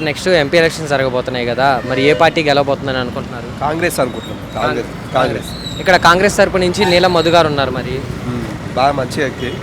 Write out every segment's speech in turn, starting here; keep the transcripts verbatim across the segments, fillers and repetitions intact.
Next MP elections జరగబోతున్నాయి కదా, మరి ఏ పార్టీ గెలవబోతుందని అనుకుంటున్నారు? కాంగ్రెస్ అనుకుంటున్నాం. కాంగ్రెస్ కాంగ్రెస్ ఇక్కడ కాంగ్రెస్ తరపు నుంచి నీలం మధు గారు ఉన్నారు. మరి బాగా మంచి వ్యక్తి,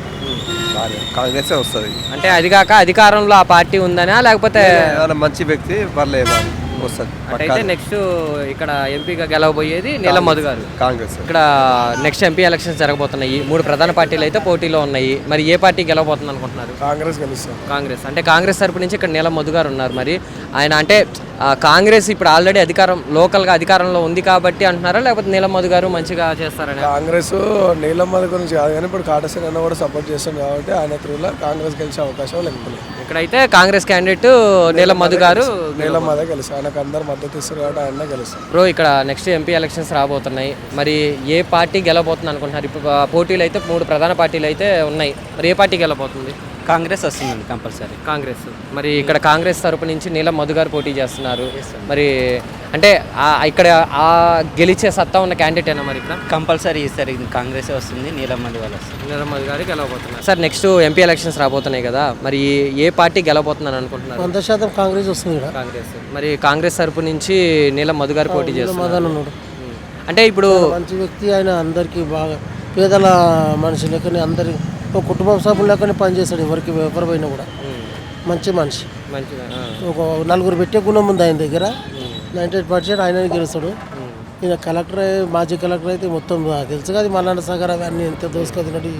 కాంగ్రెస్ వస్తుంది. అంటే అది కాక అధికారంలో ఆ పార్టీ ఉందనా లేకపోతే మంచి వ్యక్తి పర్లేదు వస్తుంది. అయితే నెక్స్ట్ ఇక్కడ ఎంపీగా గెలవబోయేది నీలం మధు గారు, కాంగ్రెస్. ఇక్కడ నెక్స్ట్ ఎంపీ ఎలక్షన్స్ జరగబోతున్నాయి. మూడు ప్రధాన పార్టీలు అయితే పోటీలో ఉన్నాయి. మరి ఏ పార్టీ గెలవబోతుంది అనుకుంటున్నారు? కాంగ్రెస్ గెలుస్తుంది. కాంగ్రెస్ అంటే కాంగ్రెస్ తరపు నుంచి ఇక్కడ నీలం మధు గారు ఉన్నారు. మరి ఆయన అంటే కాంగ్రెస్ ఇప్పుడు ఆల్రెడీ అధికారం లోకల్గా అధికారంలో ఉంది కాబట్టి అంటున్నారా, లేకపోతే నీలం మధు గారు మంచిగా చేస్తారని? కాంగ్రెస్ నీలం మధు గురించి కాదు కానీ ఇప్పుడు కాటసేన అన్న కూడా సపోర్ట్ చేస్తుంది కాబట్టి ఆయన త్రూలో కాంగ్రెస్ గెలిచే అవకాశం లేకపోలేదు. ఇక్కడైతే కాంగ్రెస్ క్యాండిడేట్ నీలం మధు గారు నీలం మధు గెలుస్తారు. ఆయనకు అందరు మద్దతు ఇస్తారు కాబట్టి ఆయన గెలుస్తారు. బ్రో, ఇక్కడ నెక్స్ట్ ఎంపీ ఎలక్షన్స్ రాబోతున్నాయి. మరి ఏ పార్టీ గెలవబోతుంది అనుకుంటున్నారు? ఇప్పుడు పోటీలు అయితే మూడు ప్రధాన పార్టీలు అయితే ఉన్నాయి. మరి ఏ పార్టీ గెలవబోతుంది? కాంగ్రెస్ వస్తుందండి కంపల్సరీ. కాంగ్రెస్. మరి ఇక్కడ కాంగ్రెస్ తరపు నుంచి నీలం మధు గారు పోటీ చేస్తున్నారు. మరి అంటే ఇక్కడ ఆ గెలిచే సత్తా ఉన్న క్యాండిడేట్ అయినా మరి ఇక్కడ కంపల్సరీ ఈసారి కాంగ్రెస్ వస్తుంది, నీలం మధు వాళ్ళు వస్తుంది. నీలం మధు గారు గెలవబోతున్నారు. సార్ నెక్స్ట్ ఎంపీ ఎలక్షన్స్ రాబోతున్నాయి కదా, మరి ఏ పార్టీ గెలవబోతుందని అనుకుంటున్నారు? వంద శాతం కాంగ్రెస్ వస్తుంది. కాంగ్రెస్. మరి కాంగ్రెస్ తరపు నుంచి నీలం మధు గారు పోటీ చేస్తున్నారు. అంటే ఇప్పుడు మంచి వ్యక్తి ఆయన, అందరికీ బాగా పేదల మనిషి లెక్కని అందరి ఒక కుటుంబ సభ్యుల లెక్కనే పనిచేస్తాడు. ఎవరికి ఎవరు పోయినా కూడా మంచి మనిషి. మంచిగా ఒక నలుగురు పెట్టే గుణం ఉంది ఆయన దగ్గర. నైంటీ ఎయిట్ పర్సెంట్ ఆయన గెలుస్తాడు. ఈయన కలెక్టర్, మాజీ కలెక్టర్ అయితే మొత్తం తెలుసు కదా, మల్లన్న సాగర్ అవన్నీ ఎంత దోసుకొచ్చినట్టు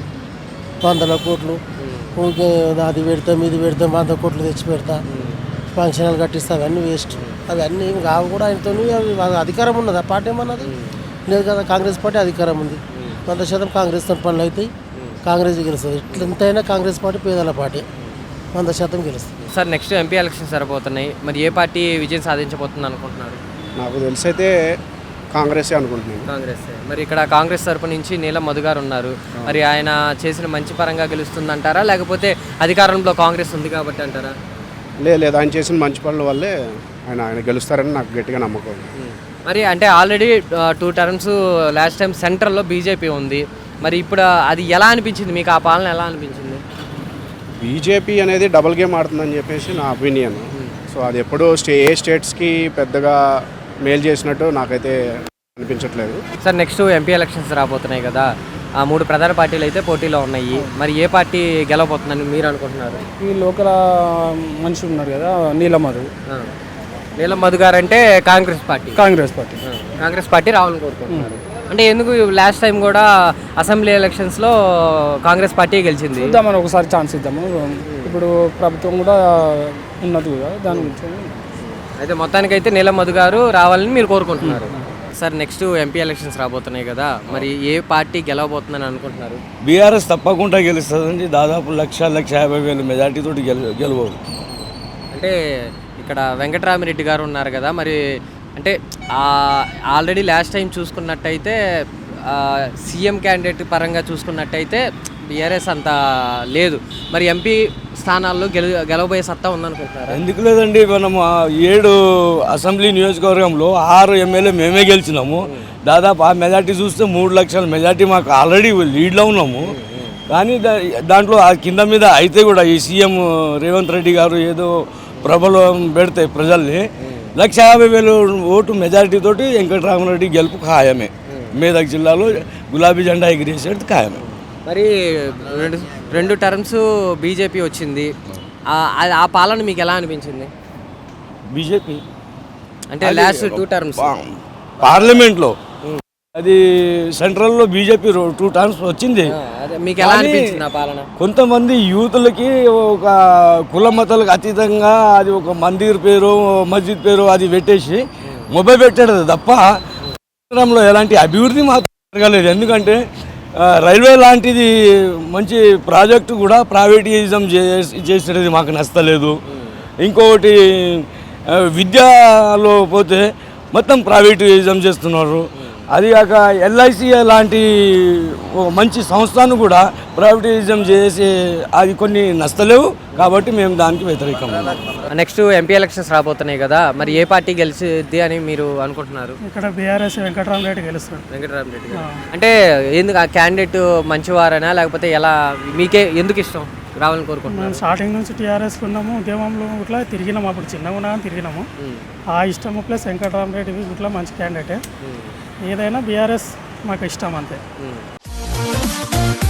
వందల కోట్లు ఊరికే అది పెడతాం ఇది పెడతాం వంద కోట్లు తెచ్చి పెడతా ఫంక్షన్లు కట్టిస్తా, అవన్నీ వేస్ట్. అవన్నీ కావు కూడా ఆయనతో. అధికారం ఉన్నది ఆ పార్టీ ఏమన్నది లేదు కదా. కాంగ్రెస్ పార్టీ అధికారం ఉంది. వంద శాతం కాంగ్రెస్ తన పనులు అవుతాయి, కాంగ్రెస్ గెలుస్తుంది. ఇట్లా ఎంతైనా కాంగ్రెస్ పార్టీ పేదల పార్టీ, వంద శాతం గెలుస్తుంది. సార్ నెక్స్ట్ ఎంపీ ఎలక్షన్స్ సరిపోతున్నాయి. మరి ఏ పార్టీ విజయం సాధించబోతుంది అనుకుంటున్నారు? నాకు తెలిసి అయితే కాంగ్రెస్ అనుకుంటున్నాను. కాంగ్రెస్. మరి ఇక్కడ కాంగ్రెస్ తరపు నుంచి నీలం మధు గారు ఉన్నారు. మరి ఆయన చేసిన మంచి పరంగా గెలుస్తుంది అంటారా, లేకపోతే అధికారంలో కాంగ్రెస్ ఉంది కాబట్టి అంటారా? లేదు లేదు ఆయన చేసిన మంచి పనుల వల్లే ఆయన ఆయన గెలుస్తారని నాకు గట్టిగా నమ్మకం. మరి అంటే already two terms last time సెంట్రల్లో బీజేపీ ఉంది. మరి ఇప్పుడు అది ఎలా అనిపించింది మీకు? ఆ పాలన ఎలా అనిపించింది? బీజేపీ అనేది డబుల్ గేమ్ ఆడుతుందని చెప్పేసి నా ఒపీనియన్. సో అది ఎప్పుడూ స్టే ఏ స్టేట్స్కి పెద్దగా మేలు చేసినట్టు నాకైతే అనిపించట్లేదు. సార్ నెక్స్ట్ ఎంపీ ఎలక్షన్స్ రాబోతున్నాయి కదా, ఆ మూడు ప్రధాన పార్టీలు అయితే పోటీలో ఉన్నాయి. మరి ఏ పార్టీ గెలవబోతుందని మీరు అనుకుంటున్నారు? ఈ లోకల్ మనిషి ఉన్నారు కదా నీలం మధు. నీలం మధు గారు అంటే Congress party. Congress party Congress party రావాలని కోరుకుంటున్నారు. అంటే ఎందుకు లాస్ట్ టైం కూడా అసెంబ్లీ ఎలక్షన్స్లో కాంగ్రెస్ పార్టీ గెలిచింది. ఇద్దామని ఒకసారి ఛాన్స్ ఇద్దాము. ఇప్పుడు ప్రభుత్వం కూడా ఉన్నది కదా దాని గురించి. అయితే మొత్తానికైతే నీలం మధు గారు రావాలని మీరు కోరుకుంటున్నారు. సార్ నెక్స్ట్ ఎంపీ ఎలక్షన్స్ రాబోతున్నాయి కదా, మరి ఏ పార్టీ గెలవబోతుందని అనుకుంటున్నారు? బీఆర్ఎస్ తప్పకుండా గెలుస్తుందండి. దాదాపు లక్ష లక్ష యాభై వేల మెజార్టీతో గెలు గెలవదు. అంటే ఇక్కడ వెంకటరామిరెడ్డి గారు ఉన్నారు కదా, మరి అంటే ఆల్రెడీ లాస్ట్ టైం చూసుకున్నట్టయితే సీఎం క్యాండిడేట్ పరంగా చూసుకున్నట్టయితే బీఆర్ఎస్ అంత లేదు. మరి ఎంపీ స్థానాల్లో గెలు గెలవబోయే సత్తా ఉందనుకుంటున్నారు? ఎందుకు లేదండి, మనం ఏడు అసెంబ్లీ నియోజకవర్గంలో ఆరు ఎమ్మెల్యే మేమే గెలిచినాము. దాదాపు ఆ మెజార్టీ చూస్తే మూడు లక్షల మెజార్టీ మాకు ఆల్రెడీ లీడ్లో ఉన్నాము. కానీ దాంట్లో ఆ కింద మీద అయితే కూడా ఈ సీఎం రేవంత్ రెడ్డి గారు ఏదో ప్రబలం పెడితే ప్రజల్ని లక్ష యాభై వేలు ఓటు మెజారిటీ తోటి వెంకటరామరెడ్డి గెలుపు ఖాయమే. మేదక్ జిల్లాలో గులాబీ జెండా ఎగిరేసేది ఖాయమే. మరి రెండు రెండు టర్మ్స్ బీజేపీ వచ్చింది. ఆ పాలన మీకు ఎలా అనిపించింది? బీజేపీ అంటే లాస్ట్ టూ టర్మ్స్ పార్లమెంట్లో అది సెంట్రల్లో బీజేపీ టూ టర్మ్స్ వచ్చింది. మీకు ఎలా అనిపించింది ఆ పాలన? కొంతమంది యూతులకి ఒక కుల మతాలకు అతీతంగా అది ఒక మందిర్ పేరు మస్జిద్ పేరు అది పెట్టేసి మొబైల్ పెట్టాడు తప్ప రాష్ట్రంలో ఎలాంటి అభివృద్ధి మాత్రం జరగలేదు. ఎందుకంటే రైల్వే లాంటిది మంచి ప్రాజెక్టు కూడా ప్రైవేటిజం చేసేది మాకు నచ్చలేదు. ఇంకొకటి విద్యలో పోతే మొత్తం ప్రైవేటిజం చేస్తున్నారు. అది కాక ఎల్ఐసి లాంటి మంచి సంస్థను కూడా ప్రైవేటిజం చేసి అది కొన్ని నష్టలేవు కాబట్టి మేము దానికి వ్యతిరేకం. నెక్స్ట్ ఎంపీ ఎలక్షన్స్ రాబోతున్నాయి కదా, మరి ఏ పార్టీ గెలిచిద్ది అని మీరు అనుకుంటున్నారు? ఇక్కడ బీఆర్ఎస్ వెంకటరామరెడ్డి గెలుస్తారు. వెంకటరామరెడ్డి అంటే ఎందుకు ఆ క్యాండిడేట్ మంచివారనా, లేకపోతే ఎలా మీకే ఎందుకు ఇష్టం రావాలని కోరుకుంటున్నాను. మేము స్టార్టింగ్ నుంచి టీఆర్ఎస్ ఉన్నాము, ఉద్యమంలో ఇట్లా తిరిగినాము, అప్పుడు చిన్నగా ఉన్నా కానీ తిరిగినాము. ఆ ఇష్టము ప్లస్ వెంకటరామరెడ్డి ఇట్లా మంచి క్యాండిడేటే. ఏదైనా బీఆర్ఎస్ మాకు ఇష్టం అంతే.